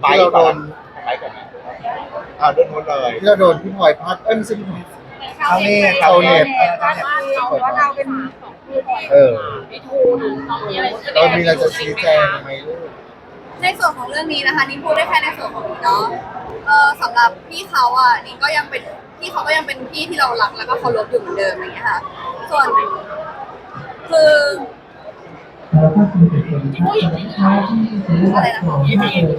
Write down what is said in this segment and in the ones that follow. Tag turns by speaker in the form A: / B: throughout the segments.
A: ที่เราโดน
B: ไปก่อนนะโดนหมดเลย
A: ที่เราโดนพี่พลอยพัดไม่ใช่พี่พลอย
C: เขาเน็ต
A: เขาเน็ต
C: ว่าเราเป็น
D: ไม่ถูกน้องมีอะไร
A: เรามีอะไรจะชี้แจงไหมลูก
E: ในส่วนของเรื่องนี้นะคะนิ้งพูดได้แค่ในส่วนของนิ้งเนาะสำหรับพี่เขาอ่ะนิ้งก็ยังเป็นพี่เขาก็ยังเป็นพี่ที่เรารักแล้วก็เคารพอยู่เหมือนเดิมอย่างเงี้ยค่ะส่วนคืออะไรนะคะพี่ผู้หญิง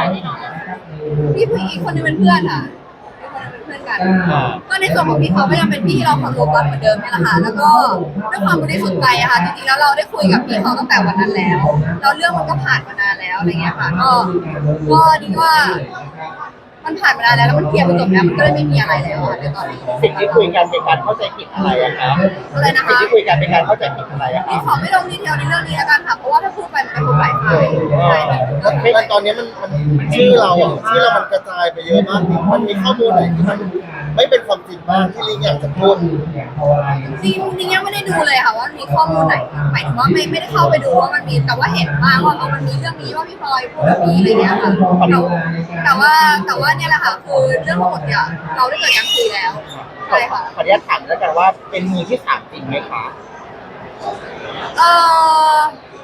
E: อีกคนนึงเป็นเพื่อนค่ะอีกคนนึงเป็นเพื่อนกันก็ในส่วนของพี่เขาก็ยังเป็นพี่ที่เราเคารพรักเหมือนเดิมนี่แหละค่ะแล้วก็ด้วยความบริสุทธิ์ใจอะค่ะจริงๆแล้วเราได้คุยกับพี่เขาตั้งแต่วันนั้นแล้วเรื่องมันก็ผ่านมานานแล้วอะไรเงี้ยค่ะก็ดีว่ามันผ่านมานานแล้วมันเคลียร์ไปจบแล้วมันก็เลยไม่มีอะไรแล้วค่ะในตอนนี้
B: สิ่งที่คุยกันเป็นการเข้าใจผิดอะไรอะครับ
E: อะไรนะคะ
B: สิ่งที่คุยกันเป็นการเข้าใจผิดอะไรอะครั
E: พี่
B: บ
E: ขอไม่ลงดีเทลในเรื่องนี้แล้วกันค่ะเพราะว่าถ้าพูดไปมันจะพูดหลายฝ่ายใช่
A: แล้วตอนนี้มันชื่อเราอ่ะชื่อเรามันกระจายไปเยอะมากมันมีข้อมูลไหนที่มันไม่เป็นความจริงบ้างที่ลิงอยากจะพูด
E: จริงยังไม่ได้ดูเลยค่ะว่ามีข้อมูลไหนหมายถึงว่าไม่ได้เข้าไปดูว่ามันมีแต่ว่าเห็นบ้างว่ามันมีเรื่องนี้ว่าพี่พลอยพูดแบบนี้อะไรเงี้ยค่ะแต่ว่าเนี่ยแหละค่ะคือเรื่องทั้งหมดเนี่ยเราได้เกิดการคุยแล้วใช่ค่ะ
B: ขออนุญาตถามแล้วกันว่าเป็นมือที่สามจริงไหมคะ
E: เออ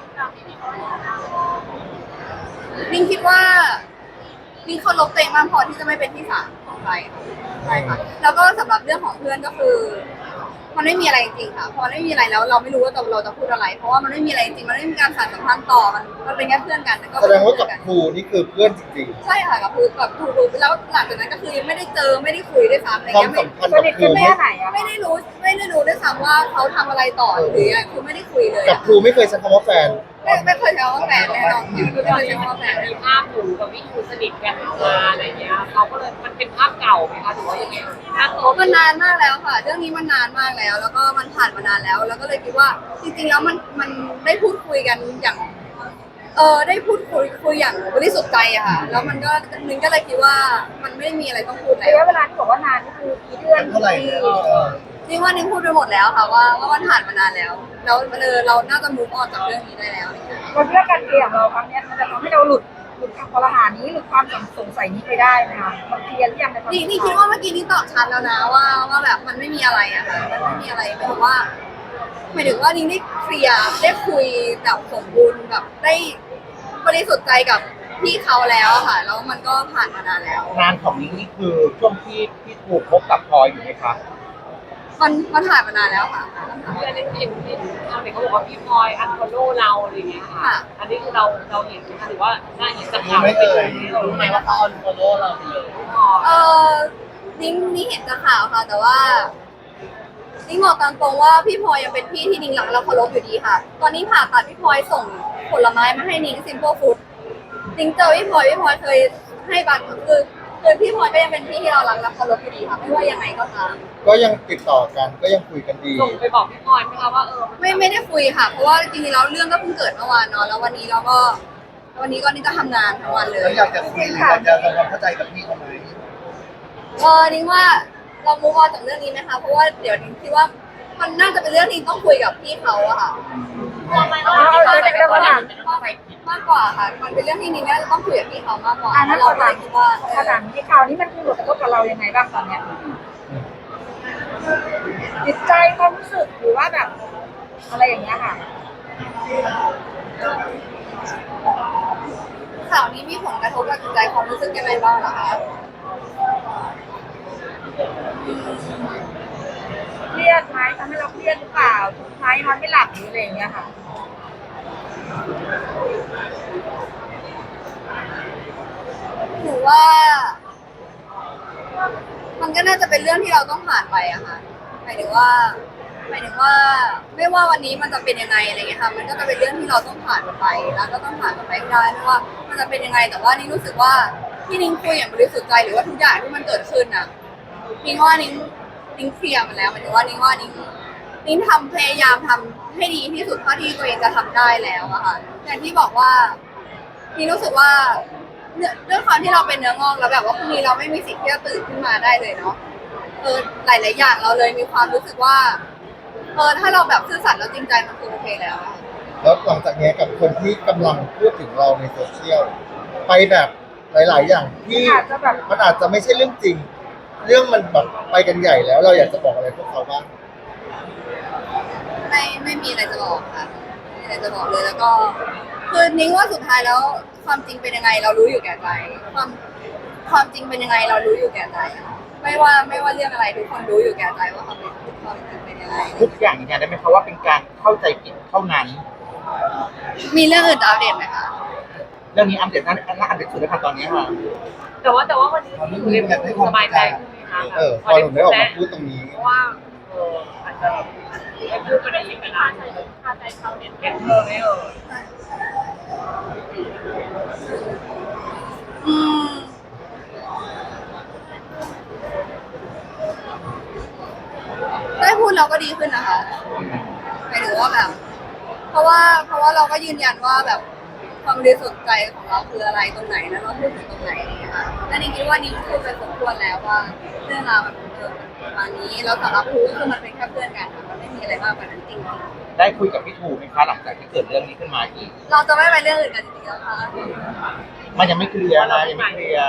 E: ลิงคิดว่าลิงเคารพตัวเองมากพอที่จะไม่เป็นที่สามของใครใช่ค่ะแล้วก็สำหรับเรื่องของเพื่อนก็คือมันไม่มีอะไรจริงๆค่ะพอไม่มีอะไรแล้วเราไม่รู้ว่าเราจะพูดอะไรเพราะว่ามันไม่มีอะไรจริงมันไม่มีการสานสัมพันธ์ต่อมันเป็นแค่เพื่อนกัน
A: แสดงว่ากับครูนี่คือเพื่อนจริง
E: ๆใช่ค่ะกับครูแล้วหลังจากนั้นก็คือยังไม่ได้เจอไม่ได้คุยด้วยซ้ำอะไร
A: ความ
E: เงี้ย
A: สัมพันธ์กับครู
E: ไม่ได้รู้ด้วยซ้ำว่าเขาทำอะไรต่อหรือคือไม่ได้คุยเลย
A: กับครูไม่เคยใช้คำว่าแฟน
E: ไม่เคยใช้คำว่าแฟนแน่นอนไม่เคยใช้คำว่าแฟน
D: มีภาพหนูกับพี่ยูสนิทกันมาอะไรเงี้ยเขาก็เลยมันเป็นภาพเก่าไหมคะหรือว่ายังไง
E: มันนานมากแล้วค่ะเรื่องนี้มันนานมากแล้วแล้วก็มันผ่านมานานแล้วแล้วก็เลยคิดว่าจริงๆแล้วมันได้พูดคุยกันอย่างได้พูดคุยอย่างบริสุทธิ์ใจอะค่ะแล้วมันก็นึงก็เลยคิดว่ามันไม่มีอะไรต้องพูดแล้ว
C: ระยะเวลาที่บอกว่านานก็คือกี่เดือน
A: เท่าไหร่
E: จริงว่านิ้งพูดไปหมดแล้วค่ะว่ามันผ่านมานานแล้วเราน่าจะมูฟออนจากเรื่องนี้ได้แล้ว
C: เราคิดว่าการเคลียร์ของเราครั้งนี้มันจะทำให้เราหลุดคำคอรหานี้หลุดความสงสัยนี้ไปได้ไหมคะมันเคลียร์หรือยังในความ
E: นี่คิดว่าเมื่อกี้นี้ตอบชัดแล้วนะว่าแบบมันไม่มีอะไรอะค่ะมันไม่มีอะไรหมายถึงว่านิ้งได้เคลียร์ได้คุยแบบสมบูรณ์แบบได้บริสุทธิ์ใจกับพี่เขาแล้วค่ะแล้วมันก็ผ่านมานานแล้ว
B: งานของนิ้งนี่คือช่วงที่ถูกพบกับพลอยอยู่ไหมคะ
E: มันผ่านมานานแล้วค่ะ
D: เพื่อนเห็นทางไหนเขาบอกว่าพี่พลอยอันฟอลโล่เราอะไรเงี้ยค่ะอันนี้คือเราเห็นหรือว่าน่าเห็นจากข่าว
A: ไม่เคย
D: รู้ไหมว่าเขาอันฟอลโล่เราไปเลย
E: นิ้งเห็นจากข่าวค่ะแต่ว่านิ้งบอกตามตรงว่าพี่พลอยยังเป็นพี่ที่นิ้งรักและเคารพอยู่ดีค่ะตอนนี้ผ่าตัดพี่พลอยส่งผลไม้มาให้นิ้งซิมเปิลฟู้ดนิ้งเจอพี่พลอยเคยให้บัตรคือพี่พลอยก็ยังเป็นพี่ที่เรารักและเคารพอยู่ดีค่ะไม่ว่ายังไงก็ตาม
A: ก็ยังติดต่อกันก็ยังคุยกันดี
D: ส่งไปบอกพี่พลอยไหมคะว่า
E: ไม่ได้คุยค่ะเพราะว่าจริงๆแล้วเรื่องก็เพิ่งเกิดเมื่อวานเนาะแล้ววันนี้นี่ก็ทำงานทั้งวันเลย
A: อยากจะคุยอยากจะทำความเข้าใจกับพี่เขาไหม
E: นิ้งว่าเรามูฟออนจากเรื่องนี้ไหมคะเพราะว่าเดี๋ยวนิ้งคิดว่ามันน่าจะเป็นเรื่องที่ต้องคุยกับพี่เขาอะค่ะมากกว่าค่ะมันเป็นเรื่องที่นิ้งน่าจะต้องคุยกับพี่เขามากกว่า
C: เราเลยคิดว่าขนาดที่ข่าวนี้มันมีผลกระทบกับเรายังไงบ้างตอนเนี้ยจิตใจความรู้สึกหรือว่าแบบอะไรอย่างเงี้ยค่ะ
E: ข่าวนี้มีผลกระทบกับจิตใจความรู้สึกยังไงบ้างล่ะคะ
C: เครียดไหมทำให้เราเครียดหรือเปล่าทุกข์ไหมนอนไม่หลับหรืออะไรอย่างเงี้ยค่ะ
E: หนูว่ามันก็น่าจะเป็นเรื่องที่เราต้องผ่านไปอะค่ะหมายถึงว่าไม่ว่าวันนี้มันจะเป็นยังไงอะไรเงี้ยค่ะมันก็จะเป็นเรื่องที่เราต้องผ่านมันไปแล้วก็ต้องผ่านมันไปให้ได้ไม่ว่ามันจะเป็นยังไงแต่ว่านิ้งรู้สึกว่าที่นิ้งคุยอย่างบริสุทธิ์ใจหรือว่าทุกอย่างที่มันเกิดขึ้นอะนิ้งว่านิ้งเคลียร์มันแล้วหมายถึงว่านิ้งทำพยายามทำให้ดีที่สุดเท่าที่ตัวเองจะทำได้แล้วอะค่ะอย่างที่บอกว่านิ้งรู้สึกว่าด้วยความที่เราเป็นเนื้องอกแล้วแบบว่าพรุ่งนี้เราไม่มีสิทธิ์ที่จะตื่นขึ้นมาได้เลยเนาะหลายๆอย่างเราเลยมีความรู้สึกว่าถ้าเราแบบซื่อสัตย์แล้วจริงใจมันคือโอเคแล้ว
A: แล้วหลังจากนี้กับคนที่กำลังพูดถึงเราในโซเชียลไปแบบหลาย ๆ อย่างที่
C: อาจจะแบบ
A: มันอาจจะไม่ใช่เรื่องจริง เรื่องมันแบบไปกันใหญ่แล้ว เราอยากจะบอกอะไรพวกเขาบ้าง
E: ไม่มีอะไรจะบอกค่ะไม่มีอะไรจะบอกเลยแล้วก็คือนิ้งว่าสุดท้ายแล้วความจริงเป็นยังไงเรารู้อยู่แก่ใจความจริงเป็นยังไงเรารู้อยู่แก่ใจค่ะไม่ว่าเรื่องอะไรทุกคนรู้อยู่แก่ใจว่าความจริงเป็นยังไง
B: ทุกอย่างยืนยันได้ไหมคะว่าเป็นการเข้าใจผิดเท่านั้น
E: มีเรื่องอื่นจะอัปเดตไหมคะ
B: เรื่องนี้อัปเดตน่าอัปเดตสุดเลยค่ะตอนนี้ค่ะ
D: แต่ว่าวันนี้ที่อยู่ในมือสบายใจขึ้นไหมคะ
A: พอหนูได้ออกมาพูดตรงนี้
D: เพราะว่าอาจจะไม่พูดประเด็นนี้ไปนานคาใจชาวเน็ตแกเธอไม่
E: อืมได้พูดเราก็ดีขึ้นนะคะหมายถึงว่าแบบ เพราะว่าเราก็ยืนยันว่าแบบความบริสุทธิ์ใจของเราคืออะไรตรงไหนแล้วเราพูดถึงตรงไหนอะไรอย่างเงี้ยค่ะและนิ้งคิดว่านิ้งพูดไปสมควรแล้วว่าเรื่องราวมันประมาณนี้แล้วสำหรับพูคือมันเป็นแค่เพื่อนกันค่ะมันไม่มีอะไรมากกว่านั้นจริง
B: ได้คุยกับพี่ทูไหมคะหลังจากที่เกิดเรื่องนี้ขึ้นมาอีก
E: ๆเราจะไม่ไปเรื่องอื่นกันจริงๆแล้วค่ะ
B: มันยังไม่เคลียร์นะยังไม่เคลียร์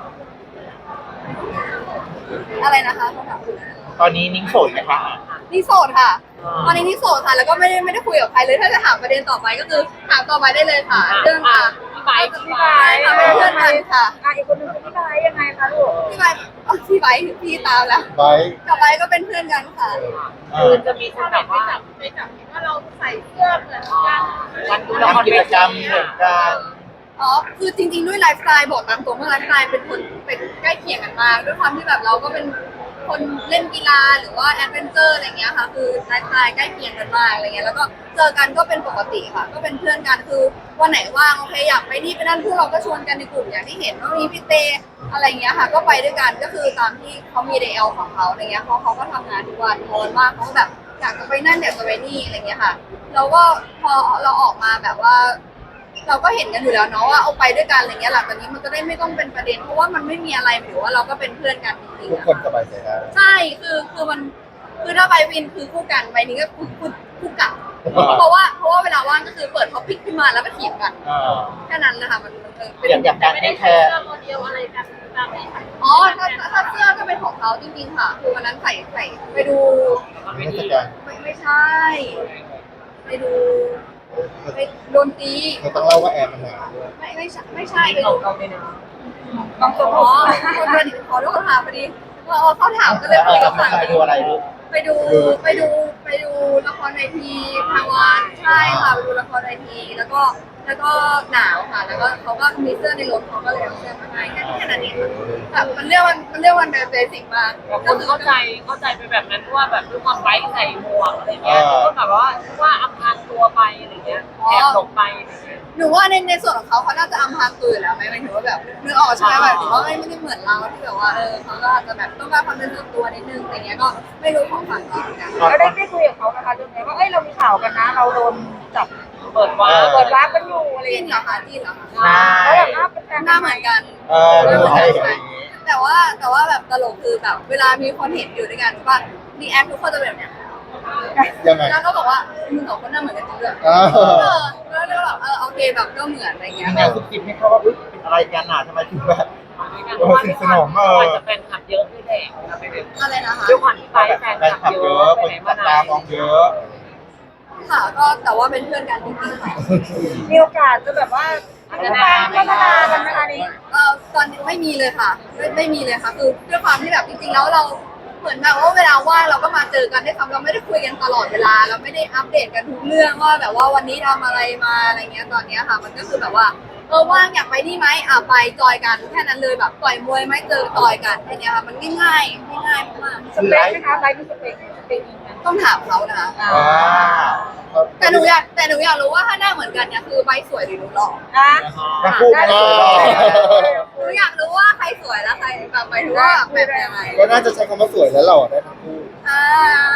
E: อะไรนะคะคำถามคืออะไร
B: ตอนนี้นิ้งโสดไหมคะ
E: นี่โสดค่ะตอนนี้นี่โสดค่ะแล้วก็ไม่ได้คุยกับใครเลยถ้าจะถามประเด็นต่อไปก็คือถามต่อไปได้เลยค่ะเรื่องค่ะ
D: พี่ไบค์
E: ค่ะเป็นเพื่อนกันค่ะ
C: อีกคนนึงคือพี่ไบร์ทยังไงคะลูก
E: พี่ไบค์พี่ไบค์พี่ตามแล้ว
A: ไป
E: กับไบค์ก็เป็นเพื่อนกันค่ะ
D: คือจะมีคนแบบว่าไปจับว่าเราใส่เสื้อเหมือนกันวันดูละคร
B: ทำกิจกรรมเหมือนกัน
E: อ๋อคือจริงๆด้วยไลฟ์สไตล์บอกตามตรงว่าไลฟ์สไตล์เป็นคนเป็นใกล้เคียงกันมากด้วยความที่แบบเราก็เป็นคนเล่นกีฬาหรือว่าแอดเวนเจอร์อะไรเงี้ยค่ะคือไลฟ์สไตล์ใกล้เคียงกันมากอะไรเงี้ยแล้วก็เจอกันก็เป็นปกติค่ะ ก็เป็นเพื่อนกันคือวันไหนว่างโอเคอยากไปนี่ไปนั่นพวกเราก็ชวนกันในกลุ่มอย่างที่เห็นว่ามีพี่เตอะไรเงี้ยค่ะ ก็ไปด้วยกันก็คือตามที่เขามีเดลของเขาอะไรเงี้ยเขาก็ทำงานทุกวันพอวันว่างเขาก็แบบอยากจะไปนั่นอยากจะไปนี่อะไรเงี้ยค่ะเราก็พอเราออกมาแบบว่า เราก็เห็นกันอยู่แล้วเนาะว่าเอาไปด้วยกันอะไรเงี้ยหลังจากนี้มันจะได้ไม่ต้องเป็นประเด็นเพราะว่ามันไม่มีอะไรหรือว่าเราก็เป็นเพื่อนกันจริง
A: ทุ
E: ๆ
A: ก
E: อะ
A: คนสบายใจได้
E: ใช่คือมันคือถ้าใบวินคือคู่กันใบนี้ก็คู่กลับเพราะว่าเวลาว่างก็คือเปิดท็อปิกขึ้นมาแล้วก็เถียงกันแค่นั้นนะคะมันเป็น
B: อย่างการให้แคร์
D: โมเดลอะไรกันตามนี้ค่ะ
E: อ๋อถ้าเสื้อก็เป็นของเขาจริงๆค่ะคือวันนั้นใส่ไปดู
A: เทศกาล
E: ไม่ใช่ไปดูไปโดนตี
A: เราต้องเล่าว่าแอร์มันหนาวด้วย
E: ไม่ใช่ไป
D: เรา
E: ดู
D: เราเนี่ยนะ
E: บางคนอ๋อคนเดินขอโทษค่ะพอดีเขาถามก็เลยคุยกับฝั่ง
B: ไปดูอะไรลูก
E: ไปดูละครเวทีทางวันใช่ค่ะไปดูละครเวทีแล้วก็หนาวค่ะ แล้วก็เขาก็มีเสื้อในรถเขาก็เลยเอาเสื้อมาให้แค่นั้นเองแบบมันเรื่องวันเบสิกมาก
D: คนเข้าใจไปแบบนั้นว่าแบบด้วยความไบค์ใส่หมวกอะไรเงี้ยก็แบบว่าอำพรางตัวไปอะไรเงี้ยแอบหลบไปอะไรเงี้ย
E: หนูว่าในส่วนของเขาน่าจะอำพรางตัวอยู่แล้วไหมหมายถึงว่าแบบนึกออกใช่ไหมแบบถือว่าไม่ได้เหมือนเราที่แบบว่าเขาก็อาจจะแบบต้องการความเป็นส่วนตัวนิดนึงอะไรเงี้ยก็ไม่รู้ของฝั่งเขาเหมือนกัน
C: เราได้คุยกับเขานะคะเรื่องนี้ว่าเรามีข่าวกันนะ เราโดนจับ
D: เปิดวาร์ป
C: เปิดร้านกันอยู่อะไรอ
E: จี
C: ย่าน ง
E: เหร
C: เงี้
E: อย คะจีนเหรอคะ
B: ใช่
C: เขาแบบว่าเป็นแฟน
E: หน้าเหมือนกัน
B: ดูอะไรอย่างงี้
E: แต่ว่าแบบตลกคือแบบเวลามีคนเห็นอยู่ด้วยกันว่าดีแอคทุกคนจะแบบเนี้ย
A: ยังไง
E: แล้วก็บอกว่ามึงสองคนหน้าเหมือนกันจริงด้วย แล้วแบบโอเคแบบก็เหมือนอะไรเงี้
B: มี
E: ย
B: แนวซุบซิบให้เขาว่าเป็นอะไรกันอ่ะทำไมถึงแบบ
D: เพราะว่าพี่ขวัญจะแฟนคลับเยอะด้วยแหละไปเด็ก
E: อะไรนะคะ
D: ด้วยความที่ไบค์แฟน
B: แฟน
D: ค
B: คลั
D: ลั
B: บบ เย
D: เย
B: อะ
D: อะ
B: ค
D: ไป
B: น
D: ไหน
B: จั
D: มา
B: บ
D: ไหน
B: ตามองเยอะ
E: ค่ะก็แต่ว่าเป็นเพื่อนกันจริงๆค่ะ
C: มีโอกาสจะแบบว่าพัฒนากันนะคะนี้
E: ตอนนี้ไม่มีเลยค่ะไม่มีเลยค่ะคือด้วยความที่แบบจริงๆแล้วเราเหมือนแบบว่าเวลาว่างเราก็มาเจอกันได้คำเราไม่ได้คุยกันตลอดเวลาเราไม่ได้อัปเดตกันทุกเรื่องว่าแบบว่าวันนี้ทำอะไรมาอะไรเงี้ยตอนเนี้ยค่ะ มันก็คือแบบว่าว่างอยากไปนี่ไหมไปจอยกันแค่นั้นเลยแบบต่อยมวยไหมเจอต่อยกันแค่เนี้ยค่ะมันง่ายมาก
C: สเปคไหมคะไลฟ์มีสเปคอีกไหม
E: ต้องถามเขานะคะ
B: ว้า
E: แต่หนูอยากรู้ว่าถ้าหน้าเหมือนกันเนี่ยคือใบสวยหรือหนูหล่อ
C: อ่ะ
B: ทั้งคู่ไม่สวยหรอก
E: หนูอยากรู้ว่าใครสวยแล้วใครแบบหมายถึงว่าแบบยังไง
A: ก็น่าจะใช้คำว่าสวยแล้วเราได้ทั้งคู่
E: อ่า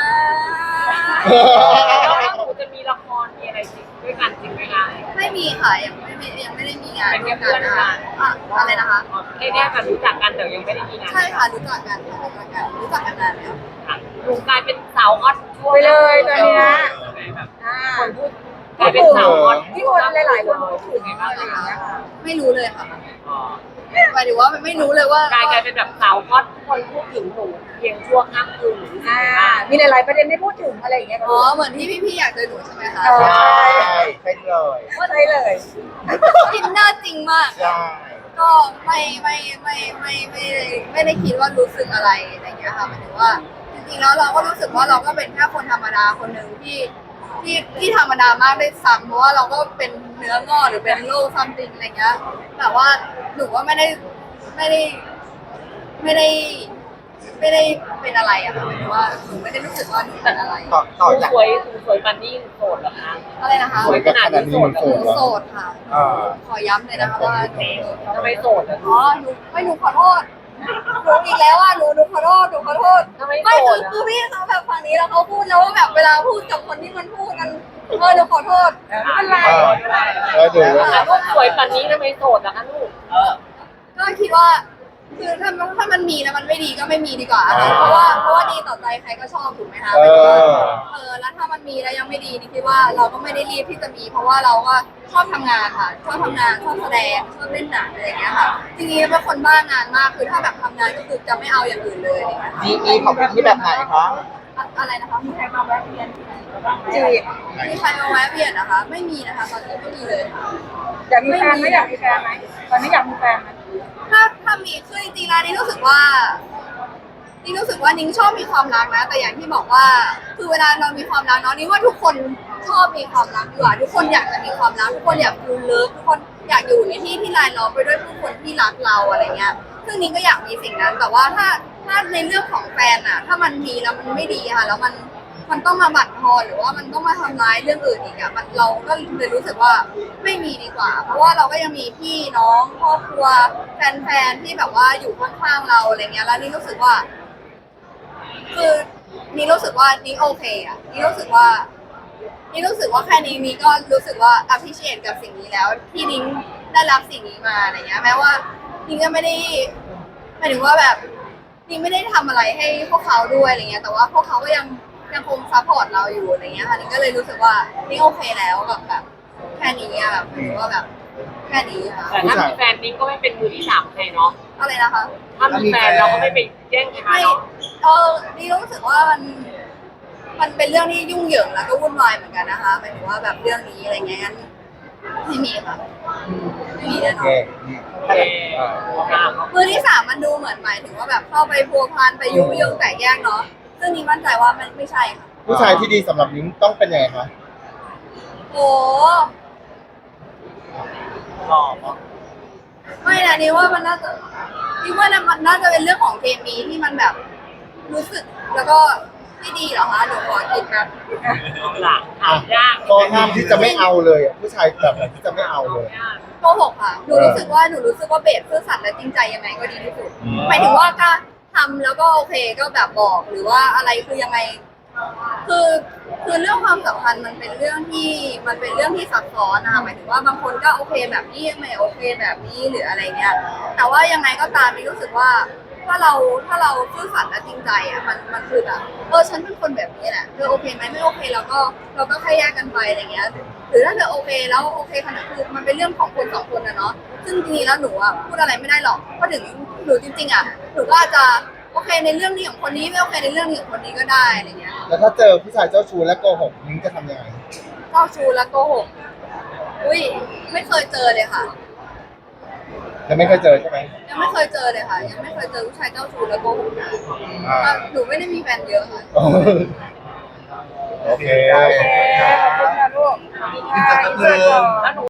D: แล้วหนูจะมีละครมีอะไรจริงด้วยกันจริงไหมคะ
E: ไม่มีค่ะยังไม่ได้มีงาน
D: เป็นแค่เพื่อนกัน
E: อะไรนะคะ
D: แค่แบบรู้จักกันแต่ยังไม่ได้มีงาน
E: ใช่ค่ะรู้จักกันนานแล้ว
D: หนูกลายเป็นสาวฮอตช่วง
C: ไปเลยตอนนี้นะ
D: แบบ
C: อ่า
D: คนพูดกลายเป็นสาวฮอต
C: ที่คนหลายๆคนพูดถึงอะไรอย่างเงี้ยค่ะ
E: ไม่รู้เลยค่ะหมายถึงว่าไม่รู้เลยว่าก
D: ลายเป็นแบบสาวฮอตคนพูดถึงหนูเพียงชั่วข้ามคืนหรือ
C: อ่า
D: ไงบ้าง
C: มีหลายๆประเด็นไม่พูดถึงอะไรอย่างเงี้ย
E: อ๋อเหมือนที่พี่ๆอยากเจอหนูใช่ไหมคะ
C: เออ
B: ใช่ใช่เลย
C: ว่าใช่เลย
E: อินเนอร์จริงมาก
B: ใช่
E: ก็ไม่ได้คิดว่ารู้สึกอะไรอะไรอย่างเงี้ยค่ะหมายถึงว่าจริงๆแล้วเราก็รู้สึกว่าเราก็เป็นแค่คนธรรมดาคนหนึ่งที่ธรรมดามากได้ซ้ำเพราะว่าเราก็เป็นเนื้องอกหรือเป็นโรคซัมติงอะไรเงี้ยแต่ว่าหนูว่าไม่ได้เป็นอะไรอะค่ะหมายถึงว่าหนูไม่ได้รู้สึกว่าหนูเป็นอะไร
B: ต่อจาก
D: สวยปันนี่โสดเหรอคะ
E: อะไรนะคะ
B: สวยขนาดนี้มัน
E: ห
B: โส
E: นู
B: ดเหรอ
E: โสดค่ะ
B: เออ
E: ขอย้ำเลยนะคะว่าหนู
D: ทำไมโสดอ่ะ
E: อ๋อหนูขอโทษหนูอีกแล้วอ่ะหนูขอโทษ
D: ทำไม
E: ไม่
D: โส
E: คื
D: ด
E: อ
D: อ่ะ
E: คือพี่เขาแบบฝั่งนี้แล้วเขาพูดแล้วว่าแบบเวลาพูดกับคนที่มันพูดกันหนูขอโทษ
C: ไม่เป็นไร
B: แล้วดูว่า
D: แต่ลูกสวยปันนี้ทำไมโสดล่ะคะลูก
E: ก็คิดว่าคือถ้ามันมีแล้วมันไม่ดีก็ไม่มีดีกว่าค่ะเพราะว่าดีต่อใจใครก็ชอบถูกไหมคะ
B: เออ
E: แล้วถ้ามันมีแล้วยังไม่ดีนี่คิดว่าเราก็ไม่ได้รีบที่จะมี เพราะว่าเราก็ชอบทำงานค่ะชอบทำงานชอบแสดงชอบเล่นหนังอะไรอย่างเงี้ยค่ะจริงๆเป็นคนบ้างานมากคือถ้าแบบทำงานก็คือจะไม่เอาอย่างอื่นเลยอะไรอย่างเงี้ยค่ะ
B: มีของพี่แบบไหนคะ
E: อะไรนะคะมีใครมาแวะเวียน
C: จี
E: จีบบ มีใครมาแวะเวียนนะคะ ไม่มีนะคะตอนนี้ไม่มีเลยค่ะ
C: อยากมีแฟนไหมอยากมีแฟนไหมตอนนี้อยากมีแฟนไหม
E: ถ้ามีคือจริงๆแล้วนี่รู้สึกว่านิ้งชอบมีความรักนะ แต่อย่างที่บอกว่าคือเวลาเรามีความรักเนาะนิ้งว่าทุกคนชอบมีความรักดีกว่าทุกคนอยากจะมีความรักทุกคนอยากดูเลิฟทุกคนอยากอยู่ในที่ที่รายล้อมไปด้วยผู้คนที่รักเราอะไรเงี้ยซึ่งนิ้งก็อยากมีสิ่งนั้น แต่ว่าถ้าในเรื่องของแฟนอะถ้ามันมีแล้วมันไม่ดีค่ะแล้วมันต้องมาบั่นทอนหรือว่ามันต้องมาทำร้ายเรื่องอื่นอีกอะเราก็เลยรู้สึกว่าไม่มีดีกว่า เพราะว่าเราก็ยังมีพี่น้องครอบครัวแฟนๆที่แบบว่าอยู่ข้างๆเราอะไรเงี้ยแล้วนี่รู้สึกว่า คือนี่รู้สึกว่านี่โอเคอะนี่รู้สึกว่าแค่นี้นี่ก็รู้สึกว่า appreciate กับสิ่งนี้แล้วที่นิ้งได้รับสิ่งนี้มาอะไรเงี้ยแม้ว่านิ้งก็ไม่ได้หมายถึงว่าแบบนิ้งไม่ได้ทำอะไรให้พวกเขาด้วยอะไรเงี้ยแต่ว่าพวกเขาก็ยังคงซัพพอร์ตเราอยู่อะไรเงี้ยค่ะนิ้งก็เลยรู้สึกว่านิ้งโอเคแล้วกับแบบแค่นี้อะแบบหมายถึงว่าแบบแค่นี้ค่ะ
D: แต่ถ้ามีแฟนนิ้งก็ไม่เป็นมือที่สามใครเนาะ
E: อะไรนะคะ
D: ถ้ามีแฟนเราก็ไม่ไปแย่งใครมา
E: ไม่
D: เนาะ
E: นี่รู้สึกว่ามันเป็นเรื่องที่ยุ่งเหยิงแล้วก็วุ่นวายเหมือนกันนะคะหมายถึงว่าแบบเรื่องนี้อะไรเงี้ยงั้นไม่มีค่ะไม่มีแน่
B: โอน เค
E: อน
D: โอเคค่ะ
E: มือที่สามมันดูเหมือนหมายถึงว่าแบบเข้าไปพัวพันไปยุ่งเหยิงแตกแยกเนาะซึ่งนี่มั่นใจว่ามันไม่ใช่ค่ะ
A: ผู้ชายที่ดีสำหรับนิ้งต้องเป็นยังไงคะ
E: โอ้
B: หล่อเนาะ
E: ไม่นะนี่ว่ามันน่าจะมันน่าจะเป็นเรื่องของเคมีที่มันแบบรู้สึกแล้วก็ไม่ดีเหรอคะเดี๋ยวขอคิดครับ
D: หลักถามยาก
A: ข้อห้ามที่จะไม่เอาเลยอะผู้ชายแบบไหนที่จะไม่เอาเลย
E: โกหกค่ะหนูรู้สึกว่าเบสซื่อสัตย์และจริงใจยังไงก็ดีที่สุดหมายถึงว่าก็ทำแล้วก็โอเคก็แบบบอกหรือว่าอะไรคือยังไง คือเรื่องความสัมพันธ์มันเป็นเรื่องที่ซับซ้อนนะคะหมายถึงว่าบางคนก็โอเคแบบนี้ไม่โอเคแบบนี้หรืออะไรเงี้ยแต่ว่ายังไงก็ตามมีรู้สึกว่าถ้าเราซื่อสัตย์และจริงใจอ่ะมันคือแบบฉันเป็นคนแบบนี้แหละเธอโอเคไหมไม่โอเคเราก็แค่แยกกันไปอะไรเงี้ยหรือถ้าเธอโอเคแล้วโอเคขนาดคือมันเป็นเรื่องของคนสองคนนะเนาะซึ่งจริงๆแล้วหนูอ่ะพูดอะไรไม่ได้หรอกเพราะถึงหนูจริงๆอ่ะหนูก็อาจจะโอเคในเรื่องนี้ของคนนี้ไม่โอเคในเรื่องนี้ของคนนี้ก็ได้อะไรเงี้ย
A: แล้วถ้าเจอผู้ชายเจ้าชู้และโกหกนิ้งจะทำยังไง
E: เจ้าชู้และโกหก อุ้ยไม่เคยเจอเลยค่ะ
A: จะไม่เคยเจอใช่ไหม
E: ยังไม่เคยเจอเลยค่ะ ยังไม่เคยเจอผู้ชายเจ้าชู้และโกหกนะ
A: อ่า
E: หนูไม่ได้มีแฟนเยอะค่ะ
A: โอเค
C: โอเคขอบคุณค่ะลูก
B: อีกสักนิดนึง
D: แล้วหนู